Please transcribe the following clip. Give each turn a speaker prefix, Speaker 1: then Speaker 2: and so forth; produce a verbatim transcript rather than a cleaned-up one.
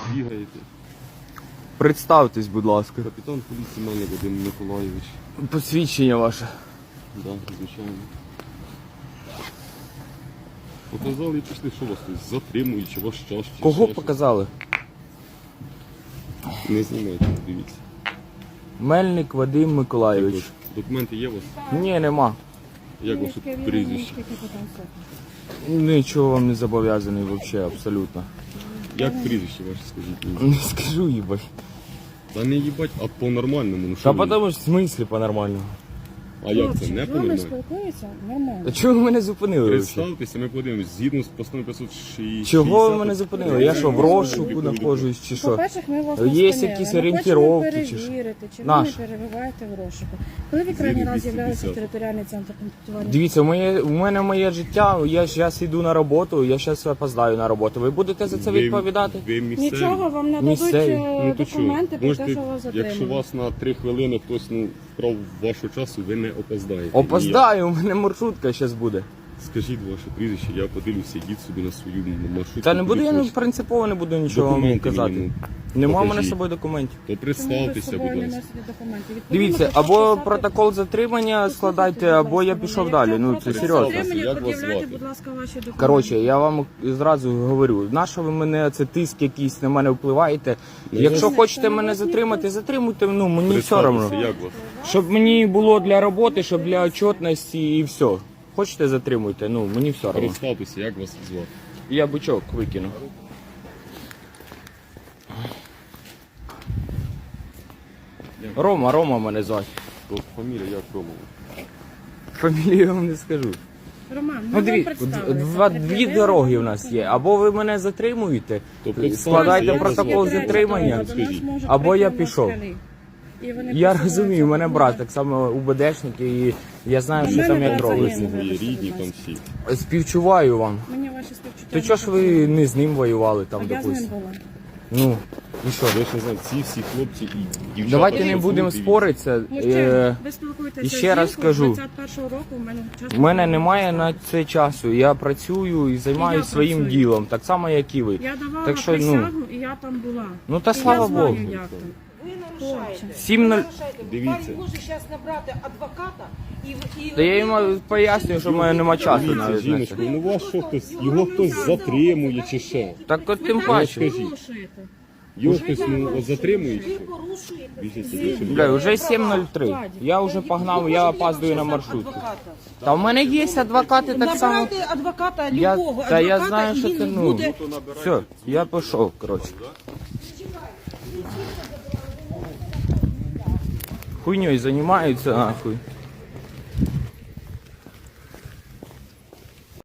Speaker 1: бігаєте.
Speaker 2: Представтесь, будь ласка.
Speaker 1: Капітан поліції Мельник Вадим Миколайович.
Speaker 2: Посвідчення ваше.
Speaker 1: Так, да, звичайно. Показали і пішли, що вас тут затримують, чи ваш час, чи
Speaker 2: Кого
Speaker 1: ще
Speaker 2: показали?
Speaker 1: щось. Не знімайте, дивіться.
Speaker 2: Мельник Вадим Миколайович.
Speaker 1: Також. Документи є у вас?
Speaker 2: Ні, нема.
Speaker 1: Як ваше прізвище?
Speaker 2: Нічого вам не зобов'язаний взагалі, абсолютно.
Speaker 1: Як прізвище ваше, скажіть мені?
Speaker 2: Не скажу, їбать.
Speaker 1: Та не їбать, а по-нормальному. Ну,
Speaker 2: Та
Speaker 1: що ви?
Speaker 2: потому що в смислі по-нормальному.
Speaker 1: А як це, не
Speaker 3: З вами
Speaker 1: по-нормальному?
Speaker 3: спілкуються нормально.
Speaker 2: А чого ви мене зупинили? взагалі?
Speaker 1: Представтеся, ми подивимось, згідно з постановою п'ятсот шістдесят.
Speaker 2: Чого ви мене зупинили? Я що, в розшуку знаходжусь чи що?
Speaker 3: По-перше, ми вас
Speaker 2: Є
Speaker 3: не
Speaker 2: якісь
Speaker 3: спинили.
Speaker 2: орієнтировки
Speaker 3: Ми
Speaker 2: чи
Speaker 3: хочемо
Speaker 2: що?
Speaker 3: перевірити, чи ви
Speaker 2: Наш.
Speaker 3: не перебуваєте в розшуку. Коли ви крайній раз
Speaker 1: двісті
Speaker 3: з'являлися в
Speaker 1: п'ятдесят.
Speaker 3: територіальний центр комплектування?
Speaker 2: Дивіться, моє, у мене моє життя, я зараз йду на роботу, я зараз опоздаю на роботу. Ви будете за це
Speaker 1: Ви-
Speaker 2: відповідати?
Speaker 1: Ви місцеві.
Speaker 3: Нічого вам не
Speaker 2: Місцеві.
Speaker 3: дадуть е,
Speaker 1: Ну то що,
Speaker 3: документи про
Speaker 1: можете,
Speaker 3: те, що вас
Speaker 1: якщо
Speaker 3: затримали.
Speaker 1: вас на три хвилини хтось ну, вкрав вашого часу, ви не опоздаєте.
Speaker 2: Опоздаю, у мене маршрутка зараз буде.
Speaker 1: І я- Скажіть ваше прізвище, я подивлюся, йдіть собі на свою маршрутку.
Speaker 2: Та не буду,
Speaker 1: куди
Speaker 2: я ну,
Speaker 1: хочете.
Speaker 2: принципово не буду нічого вам
Speaker 1: Документи
Speaker 2: казати.
Speaker 1: мені,
Speaker 2: Нема в мене
Speaker 1: покажіть.
Speaker 2: з собою документів.
Speaker 1: То
Speaker 3: Чому ви з
Speaker 1: представтеся,
Speaker 3: собою
Speaker 1: будь
Speaker 3: не
Speaker 1: ласка.
Speaker 3: носите документи? Відповідно
Speaker 2: Дивіться,
Speaker 3: до
Speaker 2: або
Speaker 3: шістдесят
Speaker 2: протокол затримання складайте,
Speaker 3: будь
Speaker 2: або я
Speaker 3: ласка,
Speaker 2: пішов
Speaker 3: мене.
Speaker 2: далі.
Speaker 3: Якщо
Speaker 2: Ну це
Speaker 3: протокол
Speaker 2: серйозно.
Speaker 3: затримання,
Speaker 1: Як вас
Speaker 3: пред'являйте,
Speaker 1: звати?
Speaker 3: будь ласка, ваші документи.
Speaker 2: Коротше, я вам зразу говорю, на що ви мене, це тиск якийсь на мене впливаєте. Якщо
Speaker 3: Ні,
Speaker 2: хочете
Speaker 3: це не
Speaker 2: мене
Speaker 3: вас
Speaker 2: затримати,
Speaker 3: ніхто.
Speaker 2: затримуйте, ну мені все
Speaker 1: Представтеся,
Speaker 2: одно.
Speaker 1: як вас?
Speaker 2: Щоб мені було для роботи, щоб для отчетності і все. Хочете затримуйте, ну мені все одно.
Speaker 1: Представтеся, як вас звати?
Speaker 2: Я бичок викину. Рома, Рома мене звати.
Speaker 1: То фамілія як Ромова?
Speaker 2: Фамілію вам не скажу.
Speaker 3: Роман,
Speaker 2: Ну,
Speaker 3: ну,
Speaker 2: дві,
Speaker 3: ви представилися.
Speaker 2: два, дві
Speaker 3: Пред'явили
Speaker 2: дороги у
Speaker 3: вам
Speaker 2: нас є.
Speaker 3: документи.
Speaker 2: Або ви мене затримуєте,
Speaker 1: То представтеся,
Speaker 2: складайте
Speaker 1: як вас
Speaker 2: протокол
Speaker 1: звати?
Speaker 2: затримання.
Speaker 3: До нас можуть
Speaker 2: Або я
Speaker 3: прийти
Speaker 2: пішов.
Speaker 3: москалі. І вони
Speaker 2: Я
Speaker 3: присилаються
Speaker 2: розумію, у мене
Speaker 3: до
Speaker 2: брат
Speaker 3: мене.
Speaker 2: так само УБДшник, і я знаю,
Speaker 3: У
Speaker 2: що
Speaker 3: мене
Speaker 2: там як
Speaker 3: брат
Speaker 2: робиться.
Speaker 3: загинув.
Speaker 1: Мої рідні там всі.
Speaker 2: Співчуваю вам.
Speaker 3: Мені ваші співчуття.
Speaker 2: То чого ж ви не з ним воювали
Speaker 3: А
Speaker 2: там,
Speaker 3: я з ним
Speaker 2: допустимо?
Speaker 3: була.
Speaker 2: Ну, і що?
Speaker 1: Ви ж не знаєте, ці всі хлопці і дівчата.
Speaker 2: Давайте не
Speaker 1: що
Speaker 2: будемо
Speaker 1: тут,
Speaker 2: споритися.
Speaker 3: Мужчина,
Speaker 2: Е,
Speaker 3: ви спілкуєтеся
Speaker 2: і ще
Speaker 3: з
Speaker 2: раз
Speaker 3: жінкою
Speaker 2: кажу.
Speaker 3: двадцять першого року, у мене час
Speaker 2: У мене немає на це часу. Я працюю і займаюся
Speaker 3: я
Speaker 2: своїм
Speaker 3: працюю.
Speaker 2: ділом, так само, як і ви.
Speaker 3: Я давала
Speaker 2: Так що, ну,
Speaker 3: присягу, і я там була.
Speaker 2: Ну та
Speaker 3: І
Speaker 2: слава
Speaker 3: я знаю,
Speaker 2: Богу.
Speaker 3: як там.
Speaker 4: Ви нарушаєте.
Speaker 2: Сім нуль.
Speaker 1: Дивіться.
Speaker 4: Парень може зараз набрати адвоката і... і
Speaker 2: Та я йому пояснюю, що в мене немає часу
Speaker 1: Дивіться,
Speaker 2: навіть на це.
Speaker 1: жіночко, ну вас що хтось, його хтось затримує чи що?
Speaker 2: Так от тим
Speaker 3: Ви
Speaker 2: паче.
Speaker 1: скажіть.
Speaker 3: порушуєте.
Speaker 1: Його хтось ну, от затримує чи
Speaker 4: ви
Speaker 1: що?
Speaker 4: порушуєте.
Speaker 1: Більше більше.
Speaker 2: Бля, вже сім нуль три. Я вже погнав, я опаздую на маршрутку.
Speaker 4: Адвоката.
Speaker 2: Та в мене є адвокати так само.
Speaker 4: Набирайте адвоката,
Speaker 2: Я,
Speaker 4: любого
Speaker 2: та я
Speaker 4: адвоката,
Speaker 2: знаю,
Speaker 4: і
Speaker 2: що
Speaker 4: він
Speaker 2: ти, ну,
Speaker 4: буде...
Speaker 2: все, я пішов, коротше. Хуйньою займаються, нахуй.